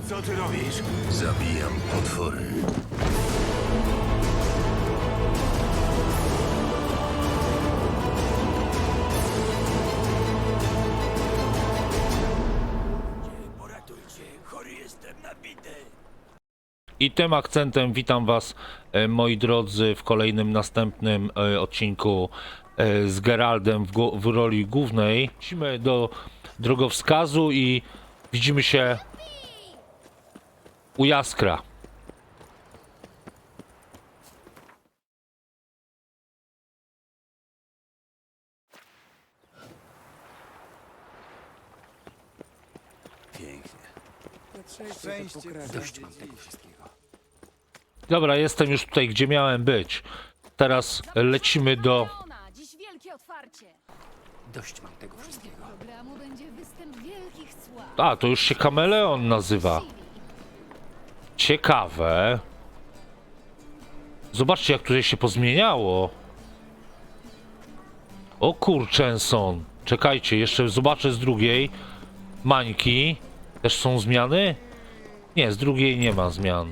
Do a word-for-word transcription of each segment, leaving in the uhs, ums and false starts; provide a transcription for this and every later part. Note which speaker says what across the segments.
Speaker 1: Co ty robisz?
Speaker 2: Zabijam potwory.
Speaker 1: Poratujcie, chory jestem nabity.
Speaker 3: I tym akcentem witam was, e, moi drodzy, w kolejnym następnym e, odcinku e, z Geraldem w, w roli głównej. Wrócimy do drogowskazu i widzimy się u Jaskra.
Speaker 1: Pięknie.
Speaker 4: Szczęście
Speaker 1: Dość mam tego wszystkiego.
Speaker 3: Dobra, jestem już tutaj, gdzie miałem być. Teraz lecimy do...
Speaker 5: Kameleona, dziś wielkie otwarcie.
Speaker 1: Dość mam tego wszystkiego.
Speaker 5: Programu będzie występ wielkich sław.
Speaker 3: A, to już się Kameleon nazywa. Ciekawe. Zobaczcie, jak tutaj się pozmieniało. O kurczęson. Czekajcie, jeszcze zobaczę z drugiej. Mańki. Też są zmiany? Nie, z drugiej nie ma zmian.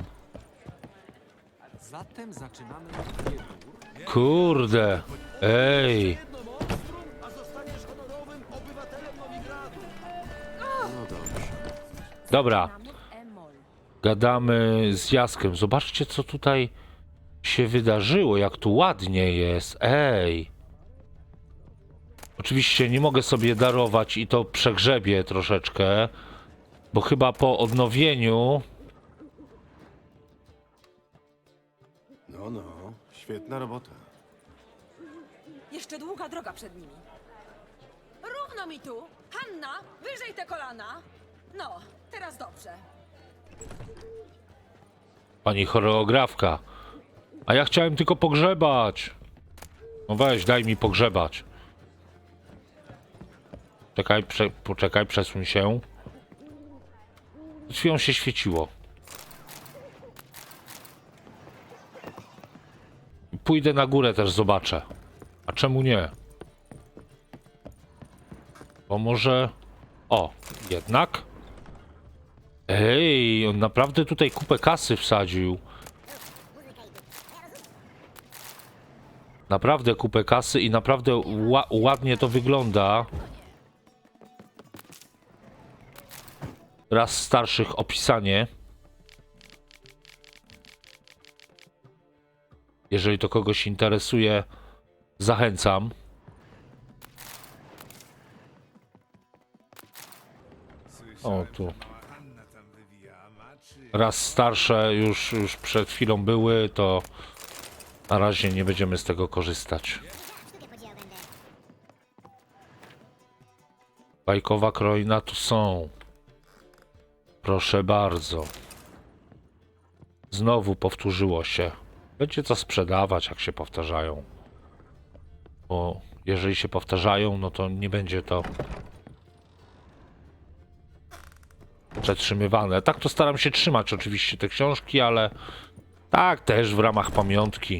Speaker 4: Zatem zaczynamy od biegu.
Speaker 3: Kurde. Ej. Dobra. Gadamy z Jaskiem. Zobaczcie, co tutaj się wydarzyło. Jak tu ładnie jest. Ej. Oczywiście nie mogę sobie darować i to przegrzebię troszeczkę. Bo chyba po odnowieniu...
Speaker 6: No, no, świetna robota.
Speaker 7: Jeszcze długa droga przed nimi. Równo mi tu! Hanna, wyżej te kolana! No, teraz dobrze.
Speaker 3: Pani choreografka. A ja chciałem tylko pogrzebać. No weź, daj mi pogrzebać. Czekaj, prze, poczekaj, przesuń się. Przed chwilą się świeciło. Pójdę na górę też zobaczę. A czemu nie? Bo może... O, jednak? Ej, on naprawdę tutaj kupę kasy wsadził. Naprawdę kupę kasy i naprawdę ła ładnie to wygląda. Raz starszych opisanie. Jeżeli to kogoś interesuje, zachęcam. O, tu. Raz starsze już, już przed chwilą były, to na razie nie będziemy z tego korzystać. Bajkowa kroina tu są. Proszę bardzo. Znowu powtórzyło się. Będzie co sprzedawać, jak się powtarzają. Bo jeżeli się powtarzają, no to nie będzie to przetrzymywane. Tak to staram się trzymać oczywiście te książki, ale tak też w ramach pamiątki.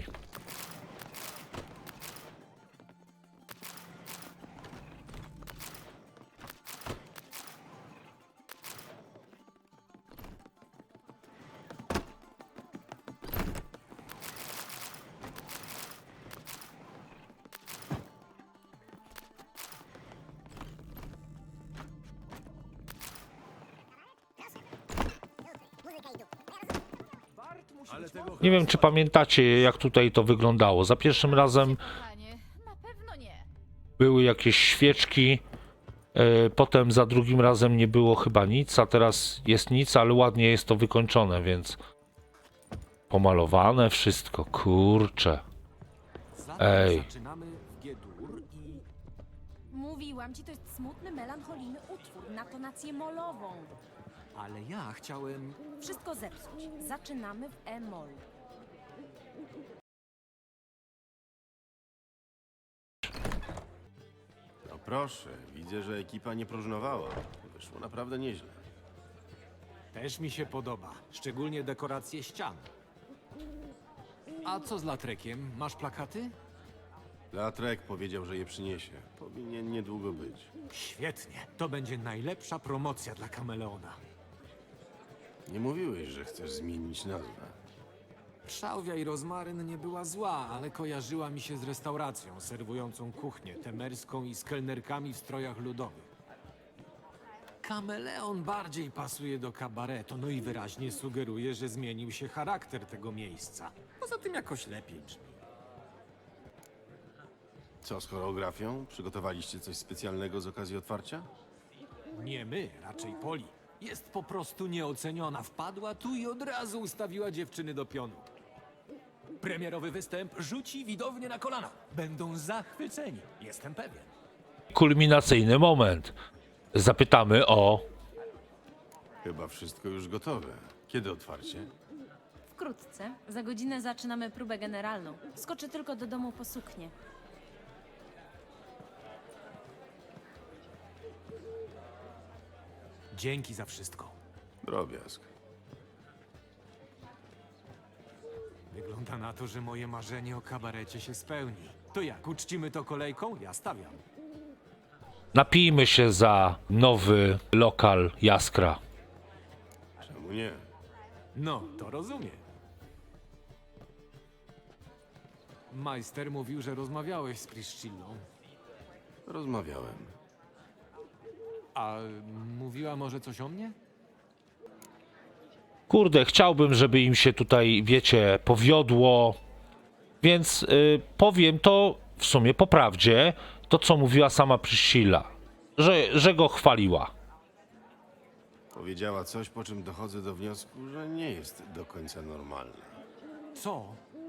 Speaker 3: Nie wiem, czy pamiętacie, jak tutaj to wyglądało. Za pierwszym razem
Speaker 5: Panie, na pewno nie.
Speaker 3: były jakieś świeczki, e, potem za drugim razem nie było chyba nic, a teraz jest nic, ale ładnie jest to wykończone, więc pomalowane wszystko, kurczę.
Speaker 4: Zatem
Speaker 3: Ej.
Speaker 4: zaczynamy w G-dur i...
Speaker 7: Mówiłam ci, to jest smutny, melancholijny utwór na tonację molową.
Speaker 4: Ale ja chciałem...
Speaker 7: Wszystko zepsuć. Zaczynamy w E-moll.
Speaker 6: No proszę, widzę, że ekipa nie próżnowała. Wyszło naprawdę nieźle.
Speaker 8: Też mi się podoba, szczególnie dekoracje ścian. A co z latrekiem? Masz plakaty?
Speaker 6: Latrek powiedział, że je przyniesie. Powinien niedługo być.
Speaker 8: Świetnie, to będzie najlepsza promocja dla Kameleona.
Speaker 6: Nie mówiłeś, że chcesz zmienić nazwę.
Speaker 8: Szałwia i rozmaryn nie była zła, ale kojarzyła mi się z restauracją serwującą kuchnię temerską i z kelnerkami w strojach ludowych. Kameleon bardziej pasuje do kabaretu, no i wyraźnie sugeruje, że zmienił się charakter tego miejsca. Poza tym jakoś lepiej brzmi.
Speaker 6: Co z choreografią? Przygotowaliście coś specjalnego z okazji otwarcia?
Speaker 8: Nie my, raczej Poli. Jest po prostu nieoceniona. Wpadła tu i od razu ustawiła dziewczyny do pionu. Premierowy występ rzuci widownię na kolana. Będą zachwyceni, jestem pewien.
Speaker 3: Kulminacyjny moment. Zapytamy o...
Speaker 6: Chyba wszystko już gotowe. Kiedy otwarcie?
Speaker 9: Wkrótce. Za godzinę zaczynamy próbę generalną. Skoczę tylko do domu po suknię.
Speaker 8: Dzięki za wszystko.
Speaker 6: Drobiazg.
Speaker 8: Wygląda na to, że moje marzenie o kabarecie się spełni. To jak, uczcimy to kolejką? Ja stawiam.
Speaker 3: Napijmy się za nowy lokal Jaskra.
Speaker 6: Czemu nie?
Speaker 8: No, to rozumiem. Majster mówił, że rozmawiałeś z Priscillą.
Speaker 6: Rozmawiałem.
Speaker 8: A mówiła może coś o mnie?
Speaker 3: Kurde, chciałbym, żeby im się tutaj, wiecie, powiodło. Więc y, powiem to w sumie po prawdzie, to co mówiła sama Priscilla, że, że go chwaliła.
Speaker 6: Powiedziała coś, po czym dochodzę do wniosku, że nie jest do końca normalna.
Speaker 8: Co?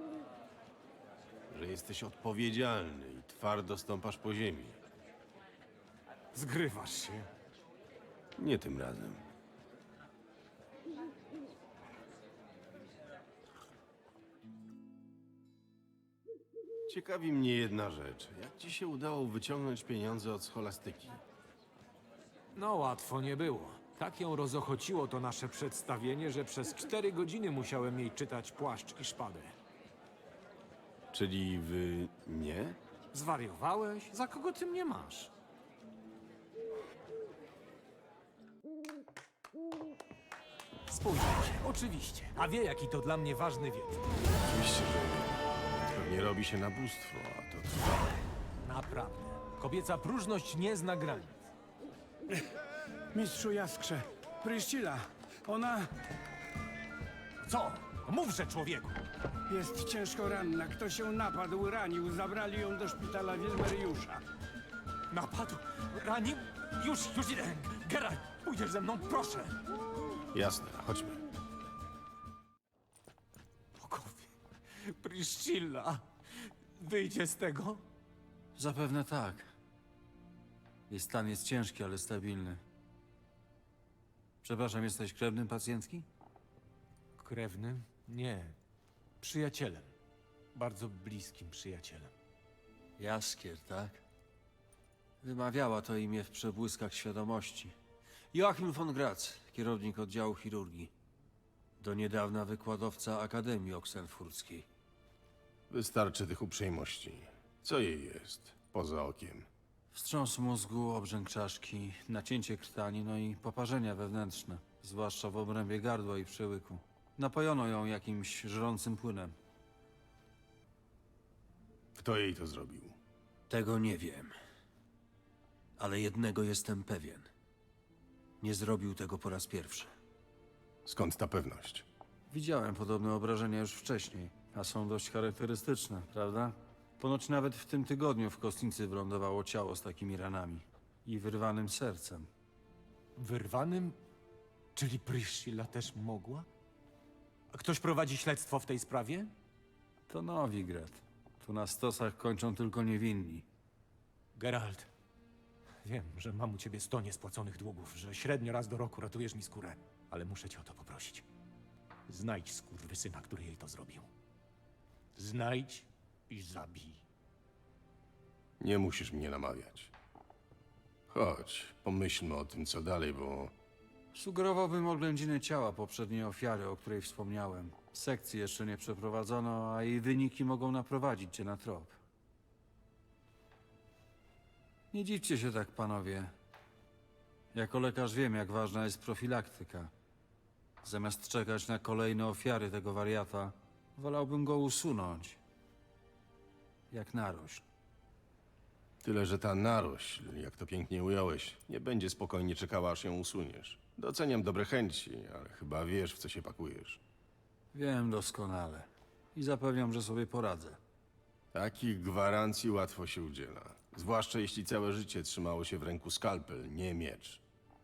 Speaker 6: Że jesteś odpowiedzialny i twardo stąpasz po ziemi.
Speaker 8: Zgrywasz się.
Speaker 6: Nie tym razem. Ciekawi mnie jedna rzecz. Jak ci się udało wyciągnąć pieniądze od scholastyki?
Speaker 8: No łatwo nie było. Tak ją rozochociło to nasze przedstawienie, że przez cztery godziny musiałem jej czytać Płaszcz i Szpadę.
Speaker 6: Czyli wy nie?
Speaker 8: Zwariowałeś? Za kogo ty mnie masz? Spójrz się, oczywiście. A wie, jaki to dla mnie ważny wieczór.
Speaker 6: Oczywiście, że nie. Pewnie robi się nabóstwo, a to trwa.
Speaker 8: Naprawdę. Kobieca próżność nie zna granic.
Speaker 10: Mistrzu Jaskrze, Priscilla, ona
Speaker 8: Co? Mówże, człowieku!
Speaker 10: jest ciężko ranna. Ktoś ją napadł, ranił, zabrali ją do szpitala Wilmeriusza.
Speaker 8: Napadł? Ranił? Już, już idę. Geralt, pójdziesz ze mną, proszę.
Speaker 6: Jasne, chodźmy.
Speaker 8: Bogowie, Priscilla, wyjdzie z tego?
Speaker 11: Zapewne tak. Jej stan jest ciężki, ale stabilny. Przepraszam, jesteś krewnym pacjentki?
Speaker 8: Krewnym? Nie. Przyjacielem. Bardzo bliskim przyjacielem.
Speaker 11: Jaskier, tak? Wymawiała to imię w przebłyskach świadomości. Joachim von Graz, kierownik oddziału chirurgii. Do niedawna wykładowca Akademii Oksenfurckiej.
Speaker 6: Wystarczy tych uprzejmości. Co jej jest, poza okiem?
Speaker 11: Wstrząs mózgu, obrzęk czaszki, nacięcie krtani, no i poparzenia wewnętrzne, zwłaszcza w obrębie gardła i przełyku. Napojono ją jakimś żrącym płynem.
Speaker 6: Kto jej to zrobił?
Speaker 11: Tego nie wiem. Ale jednego jestem pewien. Nie zrobił tego po raz pierwszy.
Speaker 6: Skąd ta pewność?
Speaker 11: Widziałem podobne obrażenia już wcześniej, a są dość charakterystyczne, prawda? Ponoć nawet w tym tygodniu w kostnicy wylądowało ciało z takimi ranami i wyrwanym sercem.
Speaker 8: Wyrwanym? Czyli Priscilla też mogła? A ktoś prowadzi śledztwo w tej sprawie?
Speaker 11: To Nowigrad. Tu na stosach kończą tylko niewinni.
Speaker 8: Geralt, wiem, że mam u ciebie sto niespłaconych długów, że średnio raz do roku ratujesz mi skórę, ale muszę cię o to poprosić. Znajdź skurwysyna, który jej to zrobił. Znajdź i zabij.
Speaker 6: Nie musisz mnie namawiać. Chodź, pomyślmy o tym, co dalej, bo
Speaker 11: Sugerowałbym oględziny ciała poprzedniej ofiary, o której wspomniałem. Sekcji jeszcze nie przeprowadzono, a jej wyniki mogą naprowadzić cię na trop. Nie dziwcie się tak, panowie. Jako lekarz wiem, jak ważna jest profilaktyka. Zamiast czekać na kolejne ofiary tego wariata, wolałbym go usunąć. Jak narośl.
Speaker 6: Tyle, że ta narośl, jak to pięknie ująłeś, nie będzie spokojnie czekała, aż ją usuniesz. Doceniam dobre chęci, ale chyba wiesz, w co się pakujesz.
Speaker 11: Wiem doskonale. I zapewniam, że sobie poradzę.
Speaker 6: Takich gwarancji łatwo się udziela. Zwłaszcza jeśli całe życie trzymało się w ręku skalpel, nie miecz.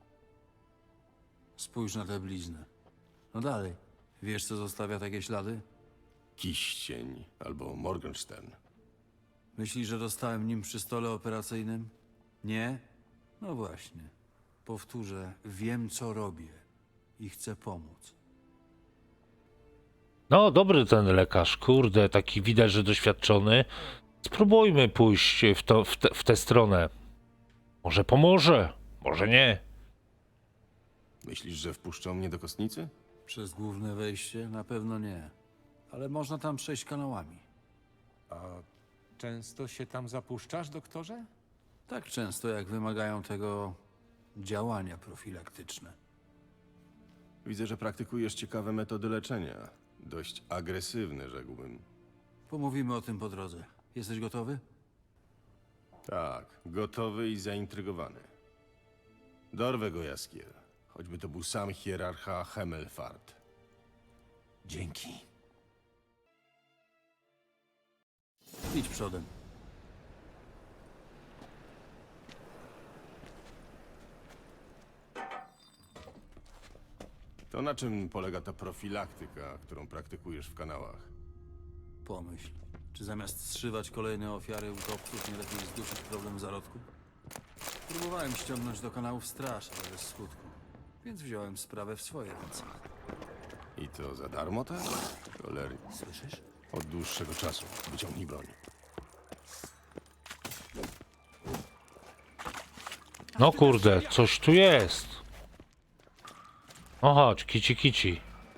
Speaker 11: Spójrz na tę bliznę. No dalej. Wiesz, co zostawia takie ślady?
Speaker 6: Kiścień albo Morgenstern.
Speaker 11: Myślisz, że dostałem nim przy stole operacyjnym? Nie? No właśnie. Powtórzę, wiem, co robię i chcę pomóc.
Speaker 3: No, dobry ten lekarz, kurde, taki widać, że doświadczony. Spróbujmy pójść w, to, w, te, w tę stronę. Może pomoże, może nie.
Speaker 6: Myślisz, że wpuszczą mnie do kostnicy?
Speaker 11: Przez główne wejście? Na pewno nie. Ale można tam przejść kanałami.
Speaker 8: A często się tam zapuszczasz, doktorze?
Speaker 11: Tak często, jak wymagają tego działania profilaktyczne.
Speaker 6: Widzę, że praktykujesz ciekawe metody leczenia. Dość agresywne, rzekłbym.
Speaker 11: Pomówimy o tym po drodze. Jesteś gotowy?
Speaker 6: Tak, gotowy i zaintrygowany. Dorwę go, Jaskier. Choćby to był sam hierarcha Hemelfart.
Speaker 8: Dzięki.
Speaker 11: Idź przodem.
Speaker 6: To na czym polega ta profilaktyka, którą praktykujesz w kanałach?
Speaker 11: Pomyśl, czy zamiast zszywać kolejne ofiary utopców, nie lepiej zdusić problem zarodku? Próbowałem ściągnąć do kanałów straż, ale bez skutku. Więc wziąłem sprawę w swoje ręce.
Speaker 6: I to za darmo, tak? Cholery.
Speaker 11: Słyszysz?
Speaker 6: Od dłuższego czasu. Wyciągnij broń.
Speaker 3: No kurde, coś tu jest. No chodź, kici kici.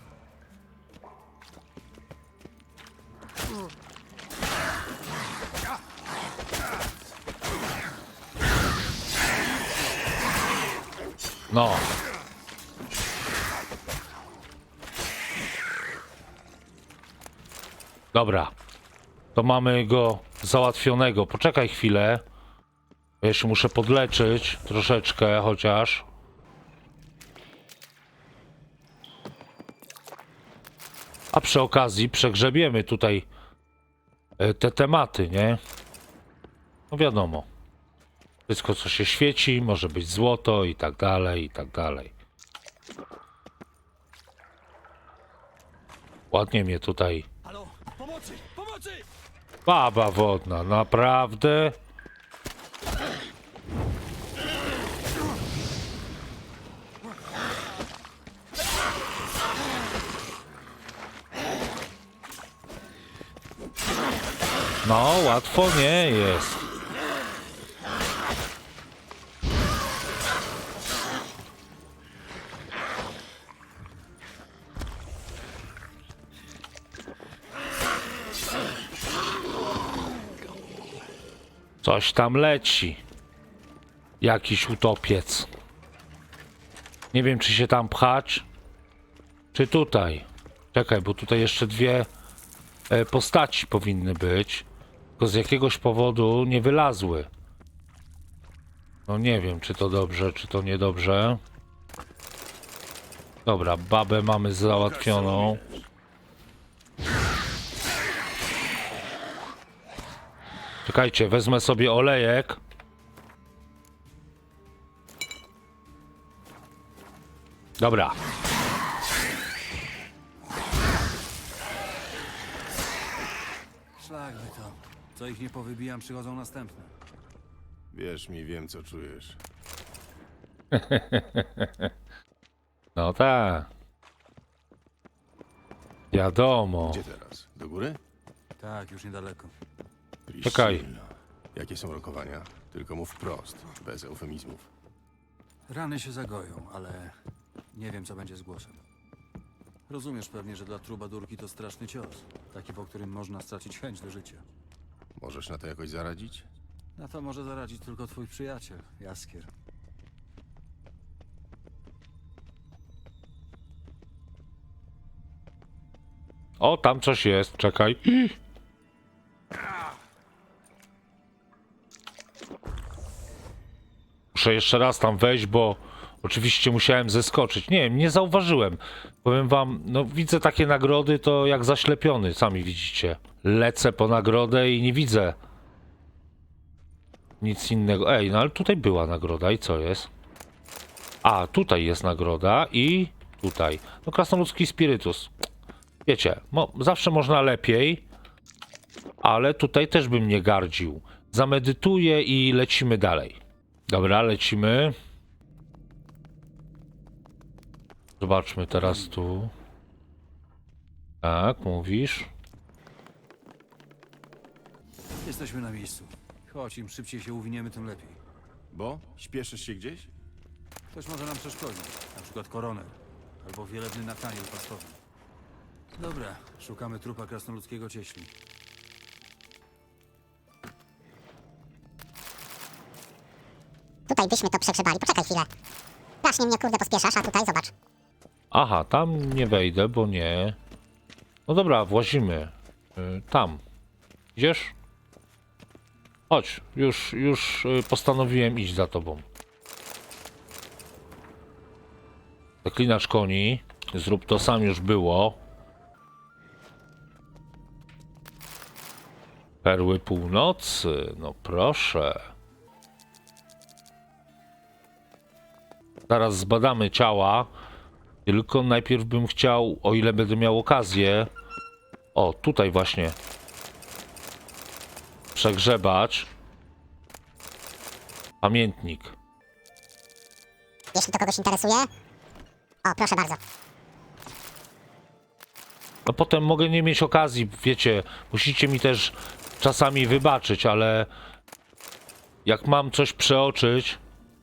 Speaker 3: No. Dobra. To mamy go załatwionego. Poczekaj chwilę. Ja się muszę podleczyć troszeczkę chociaż. A przy okazji przegrzebiemy tutaj e, te tematy, nie? No wiadomo. Wszystko co się świeci, może być złoto i tak dalej, i tak dalej. Ładnie mnie tutaj...
Speaker 1: Halo, pomocy, pomocy!
Speaker 3: Baba wodna, naprawdę? No, łatwo nie jest. Coś tam leci. Jakiś utopiec. Nie wiem, czy się tam pchać, czy tutaj. Czekaj, bo tutaj jeszcze dwie e, postaci powinny być. Tylko z jakiegoś powodu nie wylazły. No nie wiem, czy to dobrze, czy to niedobrze. Dobra, babę mamy załatwioną. Czekajcie, wezmę sobie olejek. Dobra.
Speaker 11: Szlak by to. Co ich nie powybijam, przychodzą następne.
Speaker 6: Wierz mi, wiem, co czujesz.
Speaker 3: No tak. Wiadomo.
Speaker 6: Gdzie teraz? Do góry?
Speaker 11: Tak, już niedaleko.
Speaker 3: Czekaj.
Speaker 6: Priscilla. Jakie są rokowania? Tylko mów wprost, bez eufemizmów.
Speaker 11: Rany się zagoją, ale nie wiem, co będzie z głosem. Rozumiesz pewnie, że dla trubadurki to straszny cios. Taki, po którym można stracić chęć do życia.
Speaker 6: Możesz na to jakoś zaradzić?
Speaker 11: Na to może zaradzić tylko twój przyjaciel, Jaskier.
Speaker 3: O, tam coś jest, czekaj. Muszę jeszcze raz tam wejść, bo oczywiście musiałem zeskoczyć. Nie wiem, nie zauważyłem. Powiem wam, no widzę takie nagrody, to jak zaślepiony, sami widzicie. Lecę po nagrodę i nie widzę nic innego. Ej, no ale tutaj była nagroda i co jest? A, tutaj jest nagroda i tutaj. No krasnoludzki spirytus. Wiecie, mo zawsze można lepiej, ale tutaj też bym nie gardził. Zamedytuję i lecimy dalej. Dobra, lecimy. Zobaczmy teraz tu. Tak, mówisz.
Speaker 11: Jesteśmy na miejscu. Chodź, im szybciej się uwiniemy, tym lepiej.
Speaker 6: Bo? Śpieszysz się gdzieś?
Speaker 11: Ktoś może nam przeszkodzić. Na przykład koroner. Albo wielebny Nataniel pastowy. Dobra, szukamy trupa krasnoludzkiego cieśli.
Speaker 12: Tutaj byśmy to przegrzebali. Poczekaj chwilę. Strasznie mnie kurde pospieszasz, a tutaj zobacz.
Speaker 3: Aha, tam nie wejdę, bo nie. No dobra, włazimy. Y, tam. Idziesz? Chodź, już, już y, postanowiłem iść za tobą. Zaklinacz koni. Zrób to sam, już było. Perły północy, no proszę. Zaraz zbadamy ciała. Tylko najpierw bym chciał, o ile będę miał okazję. O, tutaj właśnie. Przegrzebacz. Pamiętnik.
Speaker 12: Jeśli to kogoś interesuje. O, proszę bardzo.
Speaker 3: No potem mogę nie mieć okazji, wiecie, musicie mi też czasami wybaczyć, ale jak mam coś przeoczyć,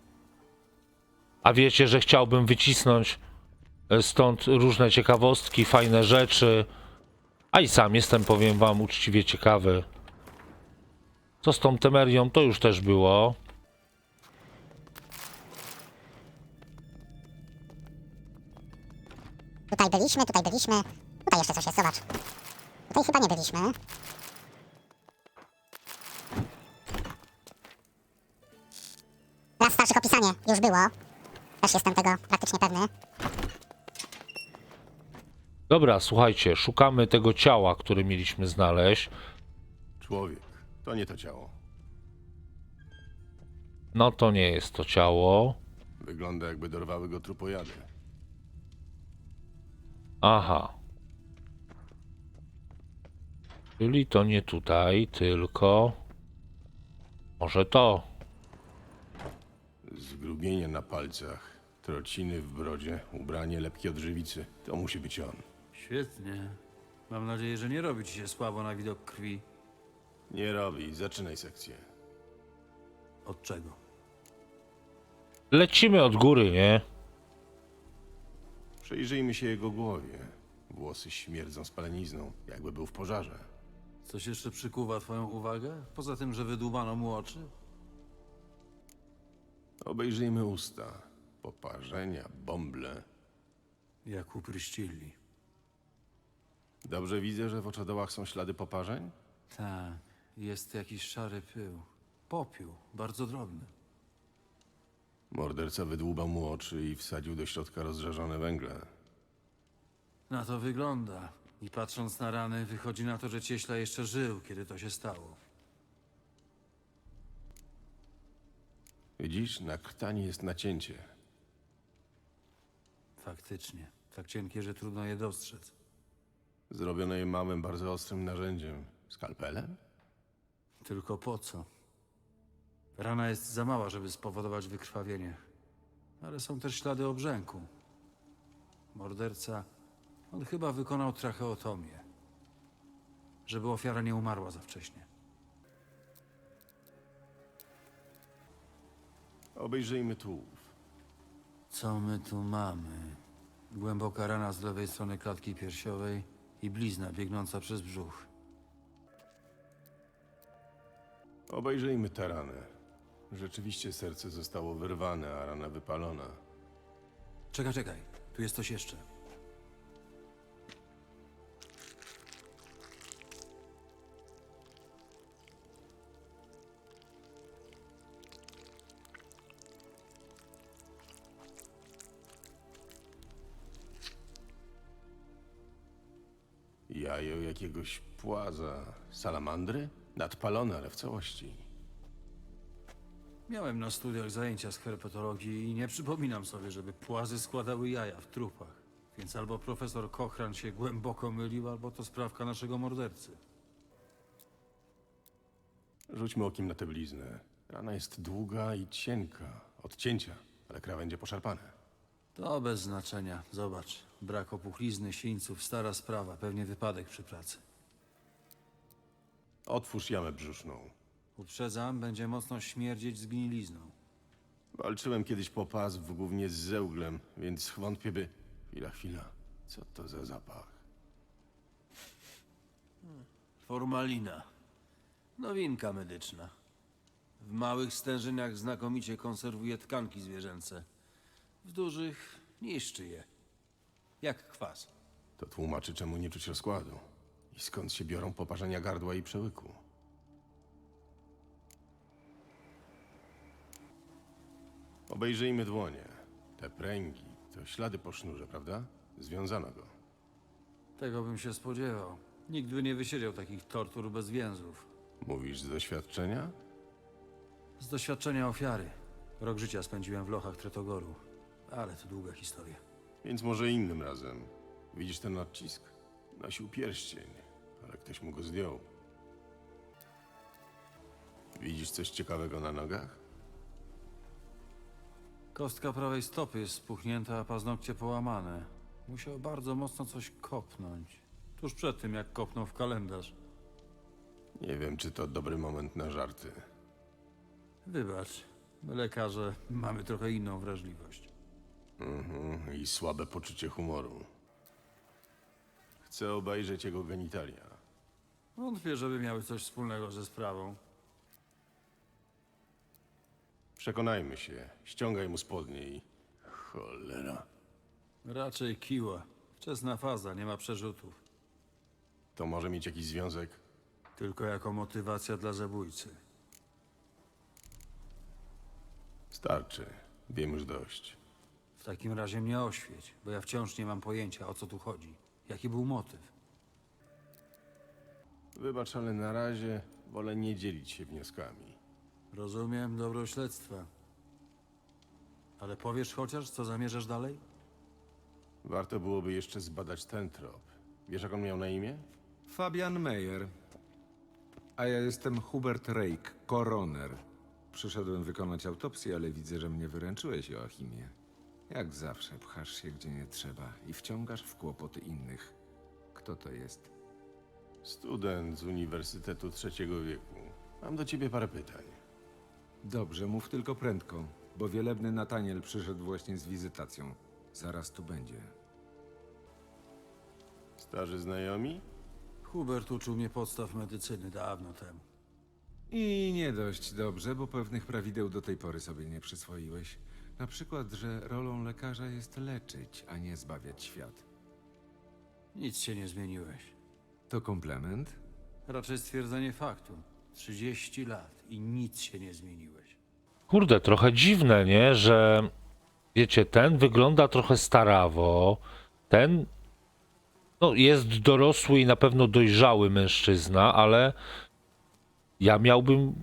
Speaker 3: a wiecie, że chciałbym wycisnąć stąd różne ciekawostki, fajne rzeczy, a i sam jestem, powiem wam, uczciwie ciekawy. Co z tą Temerią, to już też było.
Speaker 12: Tutaj byliśmy, tutaj byliśmy. Tutaj jeszcze coś jest, zobacz. Tutaj chyba nie byliśmy. Raz starszych opisanie, już było. Też jestem tego praktycznie pewny.
Speaker 3: Dobra, słuchajcie, szukamy tego ciała, które mieliśmy znaleźć.
Speaker 6: Człowiek. To nie to ciało.
Speaker 3: No to nie jest to ciało.
Speaker 6: Wygląda, jakby dorwały go trupojady.
Speaker 3: Aha. Czyli to nie tutaj, tylko... Może to.
Speaker 6: Zgrubienie na palcach, trociny w brodzie, ubranie lepkie od żywicy. To musi być on.
Speaker 11: Świetnie. Mam nadzieję, że nie robi ci się słabo na widok krwi.
Speaker 6: Nie robi. Zaczynaj sekcję.
Speaker 11: Od czego?
Speaker 3: Lecimy od góry, nie?
Speaker 6: Przyjrzyjmy się jego głowie. Włosy śmierdzą spalenizną, jakby był w pożarze.
Speaker 11: Coś jeszcze przykuwa twoją uwagę? Poza tym, że wydłubano mu oczy?
Speaker 6: Obejrzyjmy usta. Poparzenia, bąble.
Speaker 11: Jak upryścili.
Speaker 6: Dobrze widzę, że w oczodołach są ślady poparzeń?
Speaker 11: Tak, jest jakiś szary pył. Popiół, bardzo drobny.
Speaker 6: Morderca wydłubał mu oczy i wsadził do środka rozżarzone węgle.
Speaker 11: Na to wygląda. I patrząc na rany, wychodzi na to, że cieśla jeszcze żył, kiedy to się stało.
Speaker 6: Widzisz, na krtani jest nacięcie.
Speaker 11: Faktycznie. Tak cienkie, że trudno je dostrzec.
Speaker 6: Zrobione je małym, bardzo ostrym narzędziem. Skalpelem?
Speaker 11: Tylko po co? Rana jest za mała, żeby spowodować wykrwawienie. Ale są też ślady obrzęku. Morderca, on chyba wykonał tracheotomię. Żeby ofiara nie umarła za wcześnie.
Speaker 6: Obejrzyjmy tułów.
Speaker 11: Co my tu mamy? Głęboka rana z lewej strony klatki piersiowej i blizna biegnąca przez brzuch.
Speaker 6: Obejrzyjmy tę ranę. Rzeczywiście serce zostało wyrwane, a rana wypalona.
Speaker 11: Czekaj, czekaj. Tu jest coś jeszcze.
Speaker 6: Jajo jakiegoś płaza. Salamandry? Nadpalone, ale w całości.
Speaker 11: Miałem na studiach zajęcia z herpetologii i nie przypominam sobie, żeby płazy składały jaja w trupach. Więc albo profesor Cochran się głęboko mylił, albo to sprawka naszego mordercy.
Speaker 6: Rzućmy okiem na tę bliznę. Rana jest długa i cienka. Od cięcia, ale krawędzie poszarpane.
Speaker 11: To bez znaczenia. Zobacz. Brak opuchlizny, sińców, stara sprawa. Pewnie wypadek przy pracy.
Speaker 6: Otwórz jamę brzuszną.
Speaker 11: Uprzedzam, będzie mocno śmierdzieć zgnilizną.
Speaker 6: Walczyłem kiedyś po pas w głównie z zełglem, więc wątpię by... Chwila, chwila. Co to za zapach?
Speaker 11: Formalina. Nowinka medyczna. W małych stężeniach znakomicie konserwuje tkanki zwierzęce. W dużych niszczy je. Jak kwas.
Speaker 6: To tłumaczy, czemu nie czuć rozkładu. I skąd się biorą poparzenia gardła i przełyku. Obejrzyjmy dłonie. Te pręgi to ślady po sznurze, prawda? Związano go.
Speaker 11: Tego bym się spodziewał. Nikt by nie wysiedział takich tortur bez więzów.
Speaker 6: Mówisz z doświadczenia?
Speaker 11: Z doświadczenia ofiary. Rok życia spędziłem w lochach Tretogoru. Ale to długa historia.
Speaker 6: Więc może innym razem. Widzisz ten odcisk? Nosił pierścień, ale ktoś mu go zdjął. Widzisz coś ciekawego na nogach?
Speaker 11: Kostka prawej stopy jest spuchnięta, a paznokcie połamane. Musiał bardzo mocno coś kopnąć. Tuż przed tym, jak kopnął w kalendarz.
Speaker 6: Nie wiem, czy to dobry moment na żarty.
Speaker 11: Wybacz, my lekarze mamy trochę inną wrażliwość.
Speaker 6: Mhm, i słabe poczucie humoru. Chcę obejrzeć jego genitalia.
Speaker 11: Wątpię, żeby miały coś wspólnego ze sprawą.
Speaker 6: Przekonajmy się. Ściągaj mu spodnie i... Cholera.
Speaker 11: Raczej kiła. Wczesna faza, nie ma przerzutów.
Speaker 6: To może mieć jakiś związek?
Speaker 11: Tylko jako motywacja dla zabójcy.
Speaker 6: Starczy. Wiem już dość.
Speaker 11: W takim razie mnie oświeć, bo ja wciąż nie mam pojęcia, o co tu chodzi. Jaki był motyw?
Speaker 6: Wybacz, ale na razie wolę nie dzielić się wnioskami.
Speaker 11: Rozumiem dobro śledztwa. Ale powiesz chociaż, co zamierzasz dalej?
Speaker 6: Warto byłoby jeszcze zbadać ten trop. Wiesz, jak on miał na imię?
Speaker 13: Fabian Meyer. A ja jestem Hubert Rake, koroner. Przyszedłem wykonać autopsję, ale widzę, że mnie wyręczyłeś, Joachimie. Jak zawsze pchasz się gdzie nie trzeba i wciągasz w kłopoty innych. Kto to jest?
Speaker 6: Student z Uniwersytetu Trzeciego Wieku. Mam do ciebie parę pytań.
Speaker 13: Dobrze, mów tylko prędko, bo wielebny Nataniel przyszedł właśnie z wizytacją. Zaraz tu będzie.
Speaker 6: Starzy znajomi?
Speaker 11: Hubert uczył mnie podstaw medycyny dawno temu.
Speaker 13: I nie dość dobrze, bo pewnych prawideł do tej pory sobie nie przyswoiłeś. Na przykład, że rolą lekarza jest leczyć, a nie zbawiać świat.
Speaker 11: Nic się nie zmieniłeś.
Speaker 13: To komplement?
Speaker 11: Raczej stwierdzenie faktu. trzydzieści lat i nic się nie zmieniłeś.
Speaker 3: Kurde, trochę dziwne, nie? Że wiecie, ten wygląda trochę starawo, ten no, jest dorosły i na pewno dojrzały mężczyzna, ale ja miałbym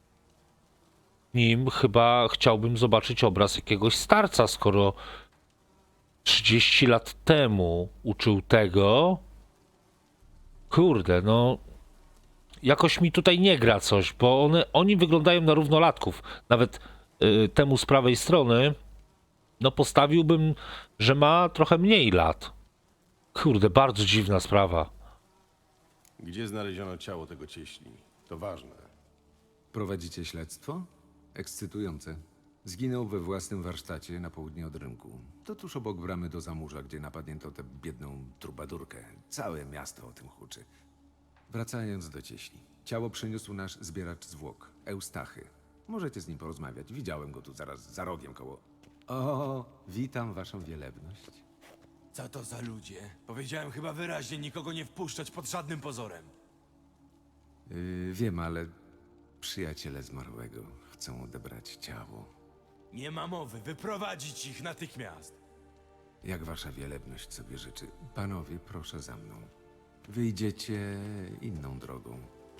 Speaker 3: nim chyba chciałbym zobaczyć obraz jakiegoś starca, skoro trzydzieści lat temu uczył tego. Kurde, no jakoś mi tutaj nie gra coś, bo one, oni wyglądają na równolatków. Nawet y, temu z prawej strony, no postawiłbym, że ma trochę mniej lat. Kurde, bardzo dziwna sprawa.
Speaker 6: Gdzie znaleziono ciało tego cieśli? To ważne.
Speaker 13: Prowadzicie śledztwo? Ekscytujące. Zginął we własnym warsztacie na południe od rynku. To tuż obok bramy do Zamurza, gdzie napadnięto tę biedną trubadurkę. Całe miasto o tym huczy. Wracając do cieśli. Ciało przyniósł nasz zbieracz zwłok, Eustachy. Możecie z nim porozmawiać. Widziałem go tu zaraz za rogiem koło... O, witam waszą wielebność.
Speaker 1: Co to za ludzie? Powiedziałem chyba wyraźnie nikogo nie wpuszczać pod żadnym pozorem.
Speaker 13: Yy, wiem, ale przyjaciele zmarłego chcą odebrać ciało.
Speaker 1: Nie ma mowy, wyprowadzić ich natychmiast.
Speaker 13: Jak wasza wielebność sobie życzy. Panowie, proszę za mną. wyjdziecie inną drogą.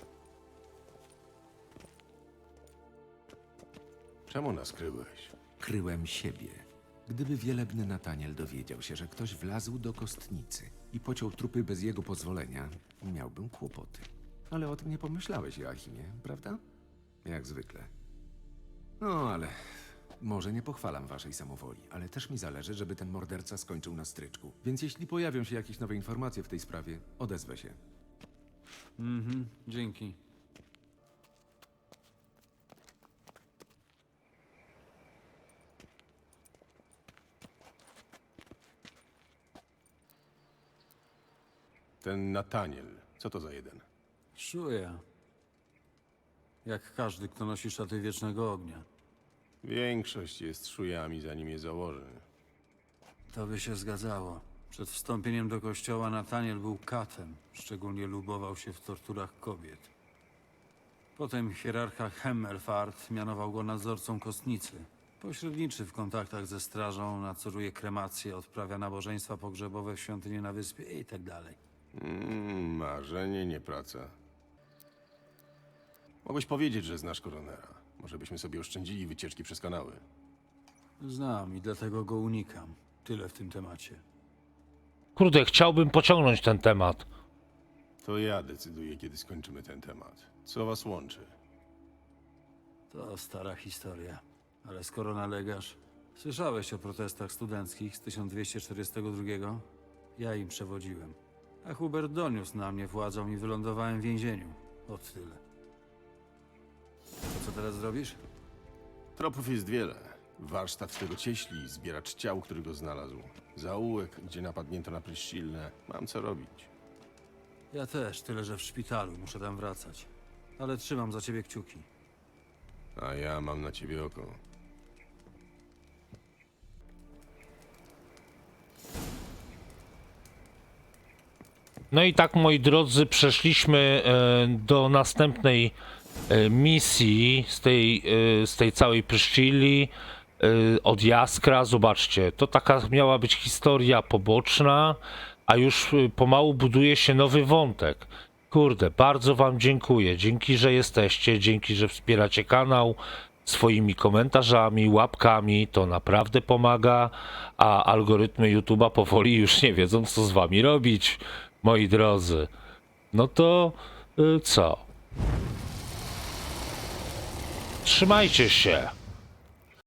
Speaker 6: Czemu nas kryłeś?
Speaker 13: Kryłem siebie. Gdyby wielebny Nataniel dowiedział się, że ktoś wlazł do kostnicy i pociął trupy bez jego pozwolenia, miałbym kłopoty. Ale o tym nie pomyślałeś, Joachimie, prawda? Jak zwykle. No, ale może nie pochwalam waszej samowoli, ale też mi zależy, żeby ten morderca skończył na stryczku. Więc jeśli pojawią się jakieś nowe informacje w tej sprawie, odezwę się.
Speaker 11: Mhm, dzięki.
Speaker 6: Ten Nataniel, co to za jeden?
Speaker 11: Czuję. Jak każdy, kto nosi szaty wiecznego ognia.
Speaker 6: Większość jest szujami, zanim je założy.
Speaker 11: To by się zgadzało. Przed wstąpieniem do kościoła Nataniel był katem. Szczególnie lubował się w torturach kobiet. Potem hierarcha Hemmelfart mianował go nadzorcą kostnicy. Pośredniczy w kontaktach ze strażą, nadzoruje kremacje, odprawia nabożeństwa pogrzebowe w świątyni na wyspie i tak dalej.
Speaker 6: Mm, marzenie, nie praca. Mogłeś powiedzieć, że znasz koronera. Może byśmy sobie oszczędzili wycieczki przez kanały.
Speaker 11: Znam i dlatego go unikam. Tyle w tym temacie.
Speaker 3: Kurde, chciałbym pociągnąć ten temat.
Speaker 6: To ja decyduję, kiedy skończymy ten temat. Co was łączy?
Speaker 11: To stara historia. Ale skoro nalegasz... Słyszałeś o protestach studenckich z tysiąc dwieście czterdziestego drugiego? Ja im przewodziłem. A Hubert doniósł na mnie władzą i wylądowałem w więzieniu. Od tyle. To co teraz zrobisz?
Speaker 6: Tropów jest wiele. Warsztat tego cieśli, zbieracz ciał, który go znalazł. Zaułek, gdzie napadnięto na Pryszcilnę. Mam co robić.
Speaker 11: Ja też, tyle że w szpitalu. Muszę tam wracać. Ale trzymam za ciebie kciuki.
Speaker 6: A ja mam na ciebie oko.
Speaker 3: No i tak, moi drodzy, przeszliśmy e, do następnej e, misji z tej, e, z tej całej Pryszcili e, od Jaskra. Zobaczcie, to taka miała być historia poboczna, a już e, pomału buduje się nowy wątek. Kurde, bardzo wam dziękuję. Dzięki, że jesteście, dzięki, że wspieracie kanał swoimi komentarzami, łapkami. To naprawdę pomaga, a algorytmy YouTube'a powoli już nie wiedzą, co z wami robić. Moi drodzy, no to y, co? Trzymajcie się.